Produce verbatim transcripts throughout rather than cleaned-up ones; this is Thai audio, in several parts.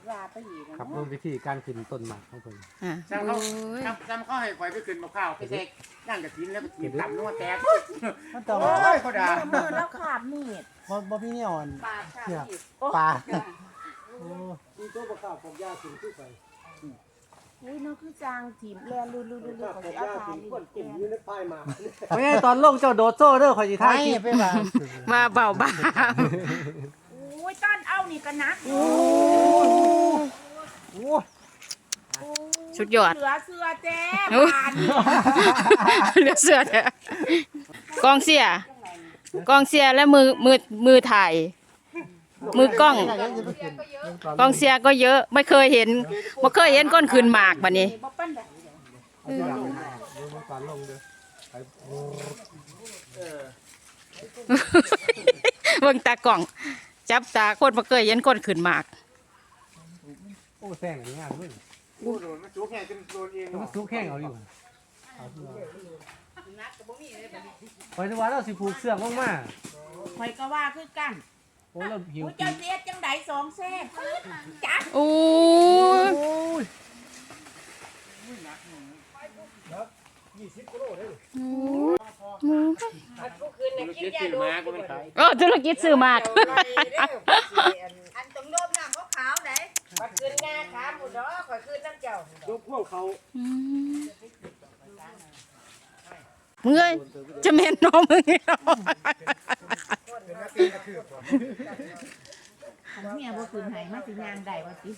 ว่าไปอีกครับเบิ่งวิธีการขึ้นต้นหมากของเพิ่นอ่ะจำเขาจำจำเขาให้ข่อยไปขึ้นมะพร้าวไปเซ็กนั่งกระถินแล้วไปกินตับนัวแตกมันต้องโอ้ยเขาด่าเมื่อแล้วขาบมีดบ่บ่มีเนี่ยอ่อนปากขาบเชือกมีดปลาโอ้มีตัวบ่ข้าวผมยาขึ้นขึ้นไปอุ้ยน้องคือจางถิ่มแลนลุลุลุลุของเอาทานนี่กินอยู่ในป้ายมาเฮ้ยตอนลงเจ้าโดดโซ่เด้อข่อยสิไทถ่ายยคลิปไปว่ามาเบาบ้าอุ้ยต้นเอานี่ก็นักโอ้สุดยอดเหลือเสือแจ้โอ้บานเหลือเสือเถอะกองเสียกองเสียและมือมือมือถ่าย มือกล้องกองเสียก็เยอะไม่เคยเห็นไม่เคยเห็นก้นคืนหมากบัดนี้บ่ปั้นได้เอาที่หลังนะเดี๋ยวมันก่อนลงเด้อไปโอ้เบิ่งตากล่อง จับตาคนบ่เคยเห็นก้นคืนหมากโอ้แซงอย่างเงี้ยเว้ยโอ้โดนมันจุกแห้งจนโดนเองแล้วมันสุกแห้งเอาอยู่เอาที่ว่าข่อยนึกว่าเราสิผูกเสื้อลงมาข่อยก็ว่าคือกันโอ้เราหิวอุ้ยเจ้าเสียจังไดสองเส้นจักโอ้ยยมันคิดชื่อมาก็มันขายเออธุรกิจซื้อหมากอันตรงโลบน้ำขาวๆไหนข่อยคืนงาขาหมูดอกข่อยคืนน้ำเจ้ายกพวกเขามึงเอ้ยจะแม่นน้องมึงเนาะของเมียบ่คืนให้มาสิยางได้ว่าติ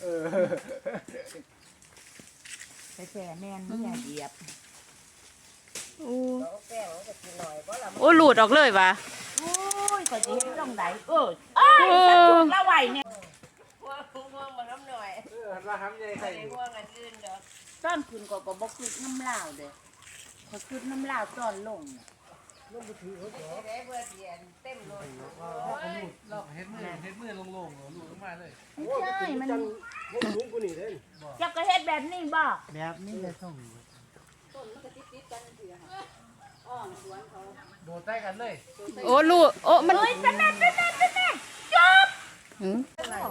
แต่แซ่แม่นเมียเหยียบโอ้โอ้หลุดออกเลยว่ะโอ้ยข่อยสิเฮ็ดจังไดเออเอ้ยตะจุกละไว้เนี่ยว่าทำยังไงใครต้นคืนก็ก็บ่คืนน้ำลาวเด้อข่อยคืนน้ำลาวต้นลงน่ะลอกเฮ็ดมือเฮ็ดมือลงๆลูกลงมาเลยไม่ใช่มันพวกลุงกูนี่เด้เจ้าก็เฮ็ดแบบนี้บ่แบบนี้เลยส่งโดดใต้กันเลยโอ้ลูกโอ้มันเฮ้ยเป็นแม่เป็นแม่เป็นแม่จบหืม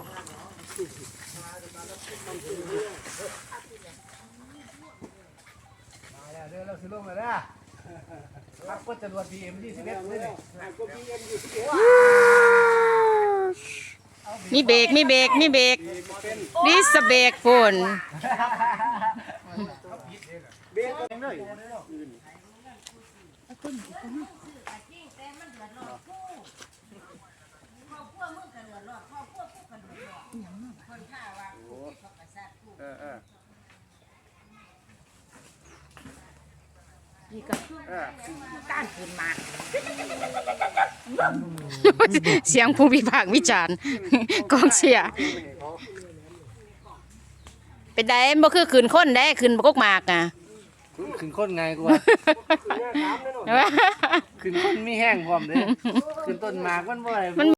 มาแล้วเด้อเราสิลงแล้วนะพักก็จรวด พี เอ็ม ยี่สิบเอ็ดเลยนี่ก็ พี เอ็ม ยี่สิบเอ็ดมีเบรกมีเบรกมีเบรกดิสเบรกพุ่นเบี้ยกันเลยเออเออนี่ก็คือเออการคืนมาเสียงผู้วิพากษ์วิจารณ์ กองเชียร์เป็นไดบ่คือขืนคนได้ขืนบกกหมากอ่ะขึ้นคนไงกูว่าขึ้นคนมีแห้งพร้อมเด้ขึ้นต้นหมากมันบ่ได้